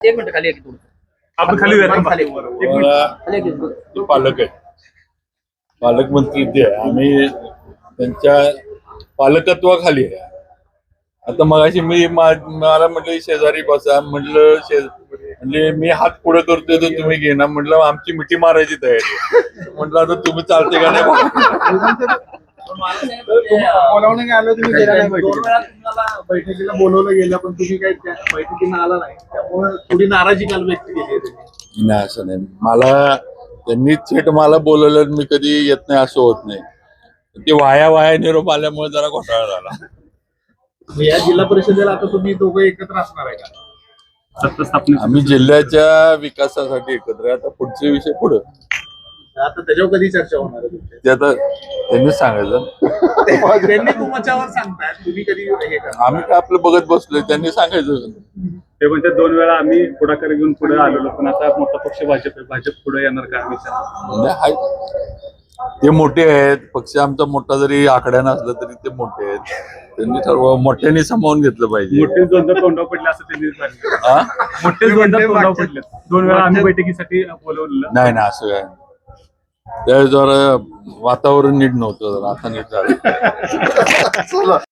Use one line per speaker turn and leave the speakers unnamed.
एक मिनिट खाली एक
आपण खाली
पालक आहे, पालकमंत्री ते आहे. आम्ही त्यांच्या पालकत्वाखाली आहे. आता मगाशी मला म्हटलं शेजारी बसा, म्हणजे मी हात पुढे करतोय तर तुम्ही घेणार, म्हटलं आमची मिठी मारायची तयारी आहे. म्हटलं आता तुम्ही चालते का नाही.
बोलावणं आलं तुम्ही गेला नाही बैठकीला बोलवलं गेलं पण तुम्ही काही बैठकीला आला नाही, त्यामुळे थोडी नाराजी काल व्यक्त केली.
नाही असं नाही, मला त्यांनी थेट मला बोलवलं, मी कधी येत नाही असं होत नाही. ते वाया निरोप आल्यामुळे जरा घोटाळा झाला.
या जिल्हा परिषदेला आता तुम्ही दोघं एकत्र असणार आहे का?
आम्ही जिल्ह्याच्या विकासासाठी एकत्र आहे. आता पुढचे विषय पुढे,
आता त्याच्यावर कधी चर्चा होणार आहे?
ते आता त्यांनीच सांगायचं.
त्यांनी तुमच्यावर सांगताय, तुम्ही कधी हे करा.
आम्ही काय आपलं बघत बसलोय, त्यांनी सांगायचं.
ते म्हणजे 2 वेळा आम्ही पुढाकार घेऊन पुढे आलेलो, पण आता मोठा पक्ष भाजप पुढे येणार का विचार?
ते मोठे आहेत, पक्ष आमचा मोठा जरी आकड्या नसला तरी ते मोठे आहेत. त्यांनी सर्व मोठ्याने सामावून घेतलं पाहिजे.
मोठे द्वंद्व तोंडावर पडले असं त्यांनी सांगितलं. मोठे द्वंद्व तोंडावर पडले. 2 वेळा आम्ही बैठकीसाठी बोलवलेलं
नाही ना, असं काय त्या जरा वातावरण नीट नव्हतं, आता नीट झालं.